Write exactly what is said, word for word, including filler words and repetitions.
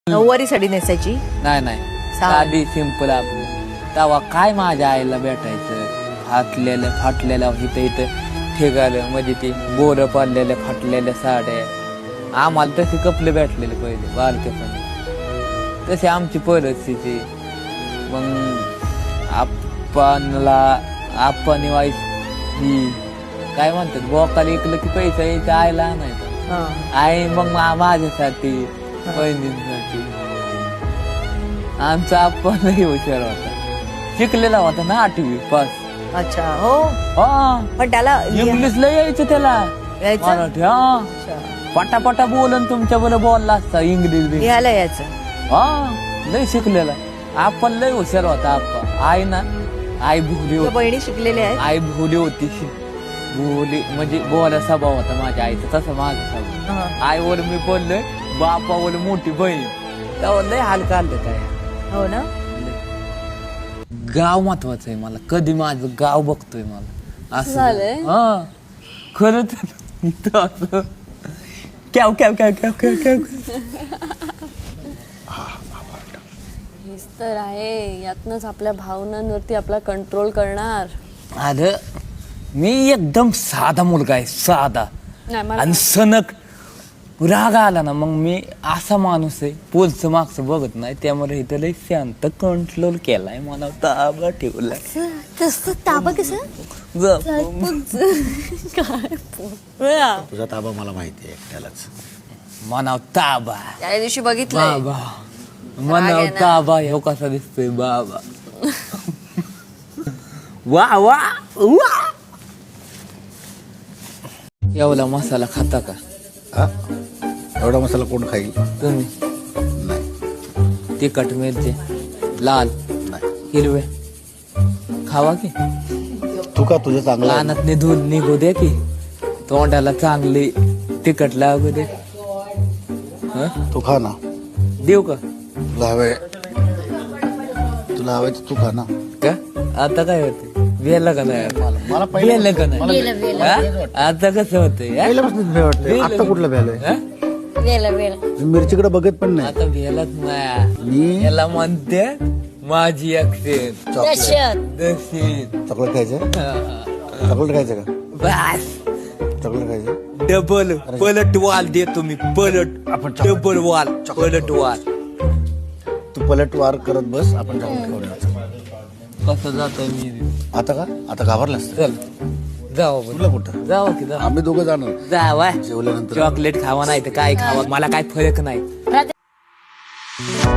नऊवारी साडी नेसायची? नाही नाही, साधी सिंपल आपली. तेव्हा काय माझ्या आईला भेटायचं, फाटलेलं फाटलेलं इथं इथं ठेगालं, म्हणजे ते बोरं पाडलेल्या फाटलेल्या साड्या. आम्हाला तसे कपडे भेटलेले पहिले बालकेपणी, तशी आमची परिस्थिती. मग आपणला आपण वाईस ही काय म्हणतात, बोकाला इकलं की पैसा यायचा आईला आणायचा. आई मग माझ्यासाठी बहिणींसाठी. आमचा आपण हुशार होता, शिकलेला होता ना आठवी पास. अच्छा, हो. हा, पण त्याला इंग्लिशला यायचं त्याला, मराठी. हा, पटापटा बोलन तुमच्या बरोबर बोलला असता इंग्लिश. लिहायला यायचं. हा, लय शिकलेला. आपण लय हुशार होता आपण. आई ना, आई भोली होती. बहिणी शिकलेली आहे. आई भोली होती, भोली म्हणजे बोला स्वभाव होता माझ्या आईचा, तसं माझा स्वभाव. आईवर मी बोललोय, बापावर मोठी बहीण, त्यावर लय हाल काढलं काय. हो ना. गाव महत्वाचं आहे मला, कधी माझं गाव बघतोय मला असं झालंय. हा, खरं तर कॅव कॅव कॅव कॅव कॅव कॅव. हेच तर आहे, यातनच आपल्या भावनांवरती आपला कंट्रोल करणार. अरे मी एकदम साधा मुलगा आहे, साधा. नाही मला आणि सनक राग आला ना, मग मी असा माणूस आहे, पोलचं मागचं बघत नाही. त्यामुळे इथं लय शांत कंट्रोल केलाय, मला ताबा ठेवलाय. तसं ताबा कसं काय तुझा ताबा मला माहिती आहे एकट्यालाच. मनाव ताबा. त्या दिवशी बघितलं बाबा मनाव ताबा. हे कसा दिसतोय बाबा. वा वा वा. एवढा मसाला खाता का? हा, एवढा मसाला कोण खाईल? तुम्ही. नाही. तिखट मिरचे लाल नाही. हिरवे खावा की. तू का तुझं चांगला आहे? कानात धुल निघू दे की, तोंडाला चांगली तिखट लागू दे. हं? तू खा ना. देऊ का? तुला हवंय, तुला हवंय तर तू खा ना. का आता काय होते, वेला का नाही? मला पहिले वेलं का नाही? हा? आता कसं होतंय? पहिल्यापासून भे वाटते. आता कुठलं भ्यालोय? वेला वेला मी मिरचीकडे बघत पण नाही. आता भेलच नाही. मी याला म्हणते माझी अक्षर दशीत. चॉकलेट खायचं? चॉकलेट खायचं का? बस चॉकलेट खायचं? डबल पलट वाल देतो मी. पलट आपण डबल वाल पलट वाल. तू पलट वार करत बस, आपण चॉकलेट खाऊन यायचं. कसं जातोय मी आता का? आता घाबरलास? चल जाऊ आपण. तुला कुठं? जाऊ की जाऊ. आम्ही दोघं जाणार जावा. जेवल्यानंतर. चॉकलेट खावा नाही तर काय खावा, मला काय फरक नाही.